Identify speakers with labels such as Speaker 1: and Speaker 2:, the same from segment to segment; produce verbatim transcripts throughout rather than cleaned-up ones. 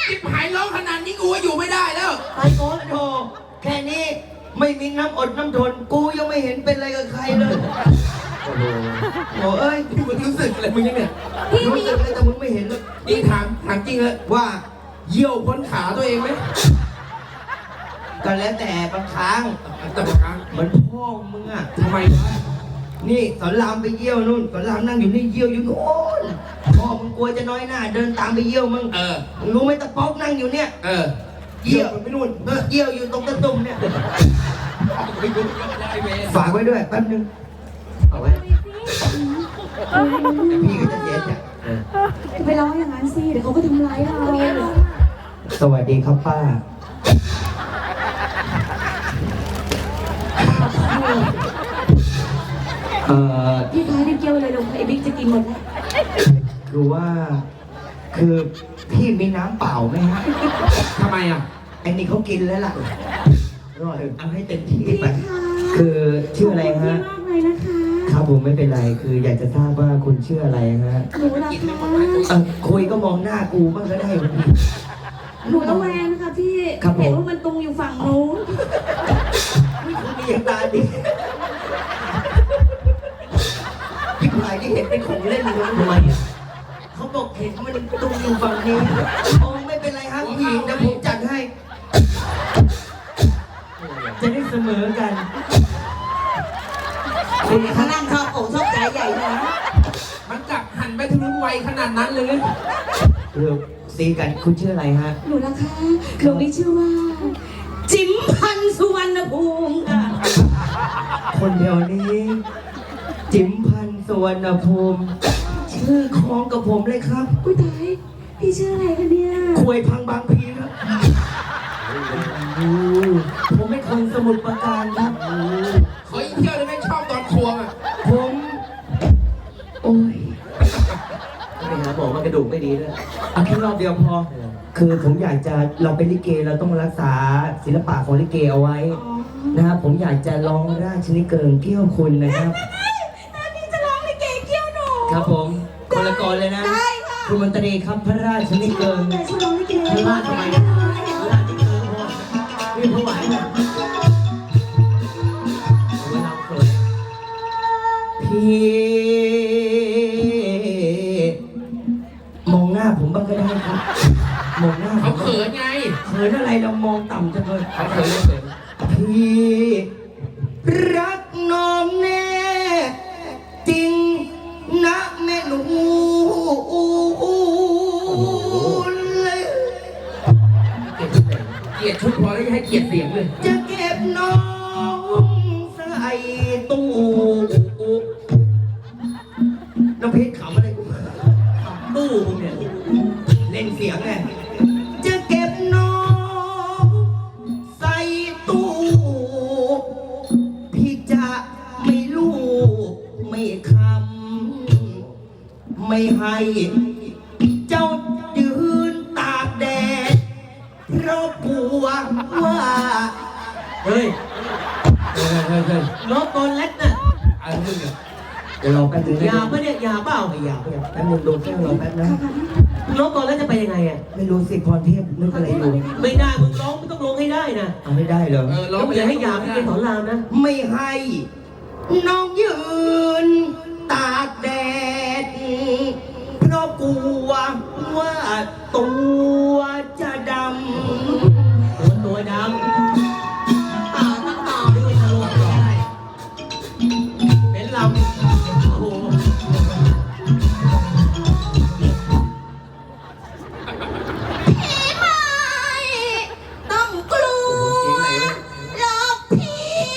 Speaker 1: จิ๊บหายร้องขนาดนี้กูอยู่ไม่ได้แล้ว
Speaker 2: ไอ้โก้โธ่แค่นี้ไม่มีน้ำอดน้ำทนกูยังไม่เห็นเป็นอะไรกับใครเลยโอ้โหโอ้เอ้ย
Speaker 1: มึงรู้สึกอะไรมึงยังเนี่ย
Speaker 2: รู้สึกเลยแต่มึงไม่เห็นเลย
Speaker 1: นี่ถามถามจริงเลยว่าเยี่ยวพ้นขาตัวเองไหม
Speaker 2: ก็แล้วแต่บางครั้ง
Speaker 1: แต่บางครั้ง
Speaker 2: เหมือนพ่อมึงอ่ะ
Speaker 1: ทำไมวะ
Speaker 2: นี่สอนรามไปเยี่ยวนู่นสอนรามนั่งอยู่นี่เยี่ยวอยู่โน่นพ่อมึงกลัวจะน้อยหน้าเดินตามไปเยี่ยวมึง
Speaker 1: เออ
Speaker 2: มึงรู้ไหมตะป๊อกนั่งอยู่เนี่ย
Speaker 1: เออ
Speaker 2: เยี่ยวไปนู่นเออเยี่ยวอยู่ตรงตะตุ่มเนี่ยฝากไว้ด้วยแป๊บนึงเอาไว้พี่ก็จะเสียใจ
Speaker 3: ไปร้องอย่างนั้นสิเดี๋ยวเขาก็ทำร้ายเรา
Speaker 2: สวัสดีครับป้าเอ่อ
Speaker 3: พี่ท้ายได้เกี่ยวอะไรลงไอ้บิ๊กจะกินหมดแล้ว
Speaker 2: คือว่าคือพี่มีน้ำเปล่าไหมฮะ
Speaker 1: ทำไมอ่ะ
Speaker 2: ไอ้นี่เขากินแล้วล่ะรอเอาให้เต็มที่ไปคือชื่ออะไรฮะ
Speaker 3: มากเลยนะคะ
Speaker 2: ครับผมไม่เป็นไรคืออยากจะทราบว่าคุณชื่ออะไรฮะ
Speaker 3: หนูรัก
Speaker 2: ค่ะคุยก็มองหน้ากูบ้างก็ได้
Speaker 3: หนูระแวงนะคะพี่เห็นว่ามันตรงอยู่ฝั่งนู้น
Speaker 2: ไม่คุณมีอย่างตาดิพี่พายที่เห็นเป็นของเล่นเลยทำไมเขาบอกเห็นมันตรงอยู่ฝั่งนี้โอ้ไม่เป็นไรครับผู้หญิงนะผมจัดให้จะได้เสมอกัน
Speaker 3: คุณเขานั่งชอบอกชอบใจใหญ่นะ
Speaker 1: มันกลับหันไปทางนู้นไวขนาดนั้นเลย
Speaker 2: เรื่องซีกันคุณชื่ออะไรฮะ
Speaker 3: หนูนะคะหนูนี่ชื่อว่าจิ๋มพันสุวรรณภูมิค่ะ
Speaker 2: คนเดียวนี้จิ๋มพันสุวรรณภูมิชื่อคล้องกับผมเลยครับ
Speaker 3: กุ้ยตายพี่ชื่ออะไรคะเนี่ย
Speaker 2: คุยพังบางพีครับผมไม่คนสมุทรปราการครับ
Speaker 1: ขออีกเที่ยวได้ไหมชอบตอนควงอ่ะ
Speaker 2: ผมโอ้ยไปหาบอกว่ากระดูกไม่ดีด้วยเอาแค่รอบเดียวพอคือผมอยากจะเราเป็นลิเกเราต้องรักษาศิลปะของลิเกเอาไว้นะครับผมอยากจะร้องราชนิเกิงเกี้ยวคุณนะครับ
Speaker 3: พี่จะร้องลิเกเกี้ยวหนู
Speaker 2: ครับผมคนละกรเลยนะคุณมนตรีครับพระราชนิเกิงพระราชทำไมพระราชนิเกิงพ่อพี่ผู้ไหวนะพี่มองหน้าผมบ้างก็ได้ครับมองหน้า
Speaker 1: เขาเขินไง
Speaker 2: เขินอะไรเรามองต่ำจังเลย
Speaker 1: เขาเขินเขิน
Speaker 2: พี่รักน้องแน่จริงนะแม่หนูเลย
Speaker 1: เกลียดชุดพอแล้วให้เกลียดเสียงเลย
Speaker 2: จะเก็บน้องใส่ตู้น้ำเพชรขำอะไรกูตู้เนี่ยเล่นเสียงไงจะเก็บน้องใส่ตู้พี่จะไม่ลูกไม่คำไม่ให้เจ้ายืนตากแดดเพราะกลัวว่าเฮ้ย
Speaker 1: เฮ้ยเฮ้ยเฮ้ย
Speaker 2: น้องตัวเล็กน่ะ
Speaker 1: อะไรมึงเนี่ย
Speaker 2: เดี๋ยวรอแป๊บนึงยาปะเนี่ยยาเปล่าไม่ยาไม่ยาแป๊บนึงโดนแก้วรอแป๊บนะน้องตัวเล็กจะไปยังไงอ่ะไม่รู้สิพรเทพนึกอะไรอยู่ไม่ได้มึงร้องมึงต้องร้องให้ได้นะเอาไม่ได้เหรอ
Speaker 1: เออร้อง
Speaker 2: อย่าให้ยาไม่ได้สอนรามนะไม่ให้น้องยืนตากแดดเพราะกลัวว่าตัวจะดำตัวตัวดำตาตั้งตาด้วยทะลุได้เป็นลำโอ้
Speaker 3: ต้องกลัวหลอกพี่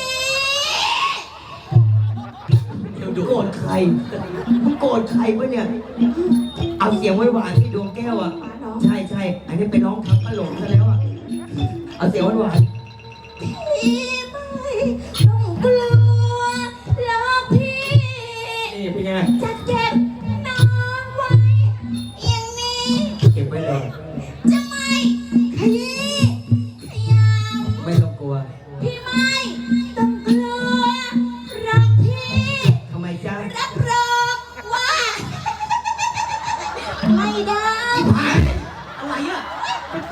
Speaker 2: เดี๋ยวโกรธใครมึงโกรธใครวะเนี่ยเอาเสียงไว้หวานที่ดวงแก้วอ่ะใช่ใช่อันนี้ไปร้องทับปลาหลงซะแล้วอ่ะเอาเสียงไว้หวาน
Speaker 3: พี่ไม่ต้องกลัวหลอกพี่
Speaker 2: นี่เป็นไง
Speaker 3: จะเก็บน้องไว้อย่างนี้
Speaker 2: เก็บไว้เลย
Speaker 3: จะไม่ขยี้ขยำ
Speaker 2: ไม่ต้องกลัว
Speaker 3: พี่ไม่ต้องกลัวรักพี่
Speaker 2: ทำไมจ๊ะ
Speaker 3: รับรองว่าไม่ได้
Speaker 2: อะไรอ่ะ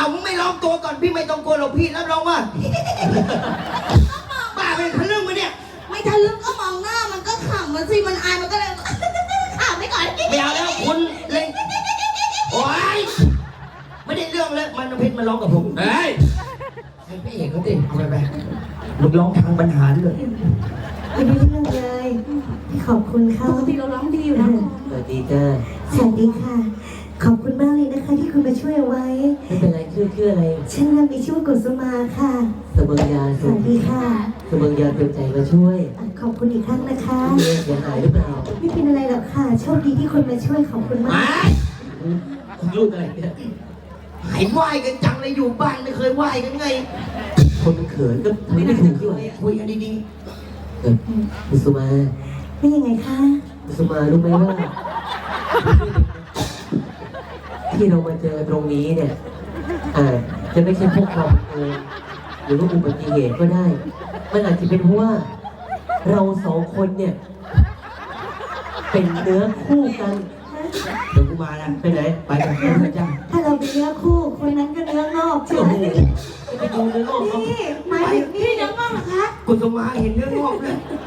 Speaker 2: เอามึงไม่ร้องตัวก่อนพี่ไม่ต้องกลัวหรอกพี่รับรองว่า บ้าเป็นทะลึ่งมาเนี่ย
Speaker 3: ไม่ทะลึ่งก็มองหน้ามันก็ขำมันสิมันอายมันก็เลย ขำไปก่อน
Speaker 2: ไม่เอาแล้วคุณเล่นโอ๊ยไม่ได้เรื่องแล้วมันเพชรมาร้องกับผม
Speaker 1: เฮ้ย
Speaker 2: ให้พี่เอกเขาดิเอาไปไปมึงร้องทางบรรหารเลย
Speaker 4: ไม่ได้เรื่องเลย ขอบคุณ
Speaker 3: ป
Speaker 4: เขา
Speaker 3: กติเราร้องดีอยู่นะ
Speaker 5: สวัสดีจ้า
Speaker 4: สวัสดีค่ะ ขอบคุณมากเลยนะคะ ที่คุณมาช่วยเอาไว้
Speaker 5: ไม่เป็นไรชื่อชื่ออะไร
Speaker 4: ฉันนามมีชื่อว่ากุสุมาค่ะ
Speaker 5: สเบิงยา
Speaker 4: สวัสดีค่ะ
Speaker 5: สเบิงยาเต็มใจมาช่วย
Speaker 4: อ่ะขอบคุณอีกครั้งนะคะ
Speaker 5: เมียเสียหายหรือเปล่า
Speaker 4: ไม่เป็นอะไรหรอกค่ะ โชคดีที่คนมาช่วยขอบคุณมาก
Speaker 5: ลูกอะไรเนี่ย
Speaker 2: หายไหวกันจังเลยอยู่บ้านไม่เคยไหวกันไง
Speaker 5: คนมันเขินก็ทำไม่ถูกที่ไหน
Speaker 2: คุยกันดี
Speaker 5: เออกุสุมา
Speaker 4: ไม่ยังไงคะ
Speaker 5: กุสุมารู้ไหมว่า ที่เรามาเจอตรงนี้เนี่ยอาจจะไม่ใช่พวกเราเองหรือว่าอุบัติเหตุก็ได้ มันอาจจะเป็นเพราะว่า เราสองคนเนี่ย เป็นเนื้อคู่กัน
Speaker 2: ๆเดี๋ยวกูมาแล้ว
Speaker 5: ไปไหน
Speaker 2: ไปกับพี่นะจ้า
Speaker 4: ถ้าเราเป็นเนื้อคู่ คนนั้นก็เนื้องอกใช่
Speaker 5: โอ้
Speaker 4: ไหม
Speaker 5: โหไปดูเนื้องอกเขา
Speaker 4: นี่หมายถึงนี่
Speaker 3: พี่น้องบ้างเหรอคะ
Speaker 2: กุศมาเห็นเรื่องงอกเลย